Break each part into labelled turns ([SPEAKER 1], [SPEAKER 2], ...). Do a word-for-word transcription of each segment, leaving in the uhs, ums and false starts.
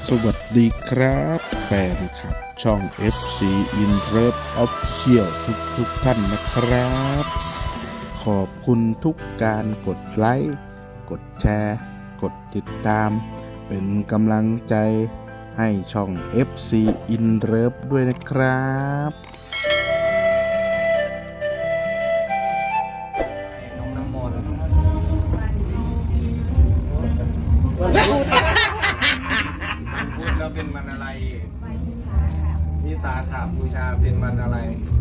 [SPEAKER 1] สวัสดีครับแฟนคลับช่อง เอฟ ซี In Love Official ทุกทุกท่านนะครับ ขอบคุณทุกการกดไลค์กดแชร์กดติดตาม เป็นกำลังใจให้ช่อง เอฟ ซี In Love ด้วยนะครับ
[SPEAKER 2] น้องน้ำมนต์พูดแล้วเป็นวันอะไรวิสาขบูชาเป็นวันอะไร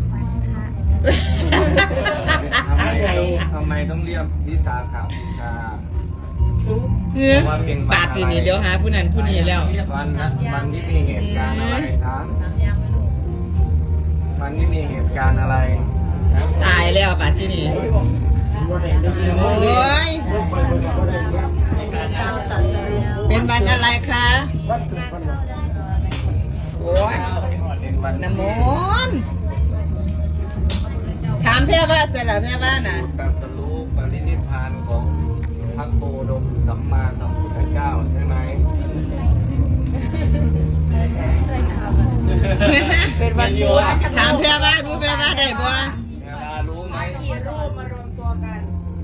[SPEAKER 2] ทำไมทำไมต้องเรียกวิสาขบูชา
[SPEAKER 3] เฮ้ยปากทีนี้เลี้ยวหาผู้นั้นผู้นี้แล้ว
[SPEAKER 2] วันวันที่มีเหตุการณ์อะไรครับวันที่มีเหตุการณ์อะไร
[SPEAKER 3] ตายแล้วปากที่นี่โอ้ยเป็นวันอะไรคะโอ้ยน้ำมนต์ถามแม่ว่าเสร็จแล้วแม่ว่าน่ะ
[SPEAKER 2] ตรัสรู้ปรินิพพานของพระโคดมสัมมาสัมพุทธเจ้าใช่ไหม
[SPEAKER 3] เป็นวันบัวถามแม่ว่ารู้แม่ว่าได้บัว
[SPEAKER 2] เวลารู้ไหม
[SPEAKER 3] กี่รูปมารวมตัวกัน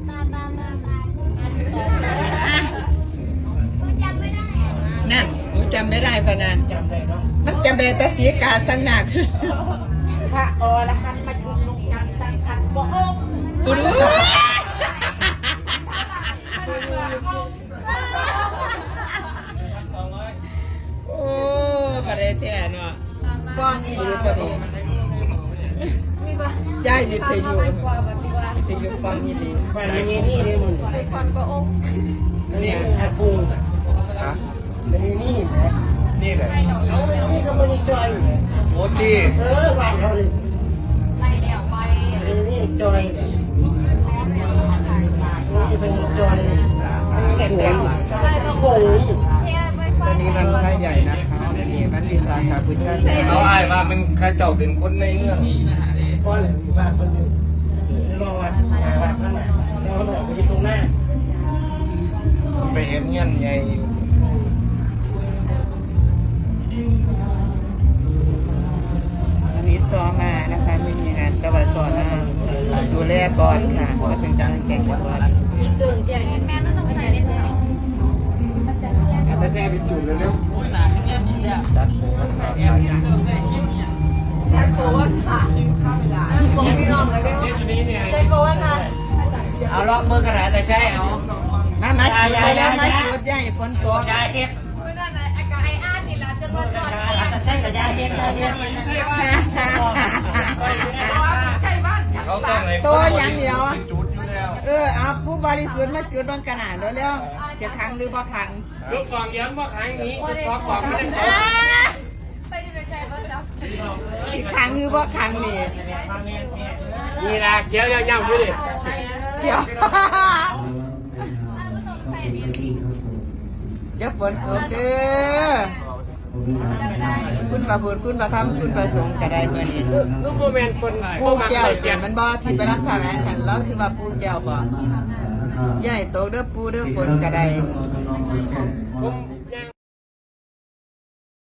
[SPEAKER 3] นั่นหนูจำไม่ได้ปะนะมันจำได้แต่สีกาสังหนัก
[SPEAKER 4] พระอรหันต์มาจุลุกยันตังคันบ่อม
[SPEAKER 3] กูรู้โอ้ประเดี๋ยวแท้เนาะป้อนอีหลีประเดี๋ยวย้ายวิทยุวิทยุฟังอีหลี
[SPEAKER 4] ไปนี่นี่เลยมึงไปคอนบ่อมนี่อากูไปนี่นะ
[SPEAKER 2] นี่แหละ
[SPEAKER 4] เอานี่ก็ไม่ได้จอย
[SPEAKER 2] โอ้ที่
[SPEAKER 4] เออบ้านเขาเลยไปแล้วไปนี่จอยนี่เป็นจอยนี่สวนโอ้ย
[SPEAKER 3] ตอนนี้วันพระใหญ่นะคะนี่วันวิสาขบูชา
[SPEAKER 2] เอาไอ้มาเป็นข้าเจ้าเป็นคนในเมือง
[SPEAKER 4] พ่อเลยบ้านคนนึงรอวันวัดนั่นแหละแล้วเขาบอกไปที่ตรงหน้า
[SPEAKER 2] ไปเห็นเงี้ยใหญ่
[SPEAKER 3] วันนี้ซ้อมมานะคะไม่มีงานตะวันสอนนะดูแลบอลค่ะมาเป็นจังแก่งบอล
[SPEAKER 4] อีกเกินเจียงแม่ต้องใส่เล่นเลยแต่แซ่เป็นจุดเลยเร็ว
[SPEAKER 2] จัดโผล่สาวไทย
[SPEAKER 4] จัดโผล่ค่ะนั่งโผล่พี่น้องเลยเร็วจัดโผล่ค่ะ
[SPEAKER 3] เอาล็อกมือกระดาษแต่ใช่เอามามาจุดไปแล้วมาจุดใหญ่ฝนตก
[SPEAKER 4] ยาเฮ็ดเมื่อนั้นไอ้กายอ้านนี่ละจะรอดรอดแต่ใช่กับยาเฮ็ดยาเฮ็ดใช่บ้าน
[SPEAKER 3] ตัวอย่างเดียวเออเอาผู้บริสุทธิ์มาจุดบนกระดาษแล้วแล้วจะขังหรือบ่ขัง
[SPEAKER 5] ลูกฟองย้ำว่าขังนี้ลูกฟองบอกไม่ได้
[SPEAKER 4] ไปดูเป็นใจบ้างจ้ะ
[SPEAKER 3] ขังหรือบ่ขังนี่
[SPEAKER 5] นี่ละเขียวยาวๆด้วยดิ
[SPEAKER 3] เดี๋ยวเดี๋ยวฝนตกเด้อคุณประบุคุณประทำคุณประสงค์ก็ได้เมื่อนี้
[SPEAKER 5] ลูกโมเมนต์คน
[SPEAKER 3] ปูแก้วเจ็บมันบ่สิไปรับทางแอนแล้วสิว่าปูแก้วบ่ใหญ่โตเด้อปูเด้อฝนก็ได้
[SPEAKER 5] ผม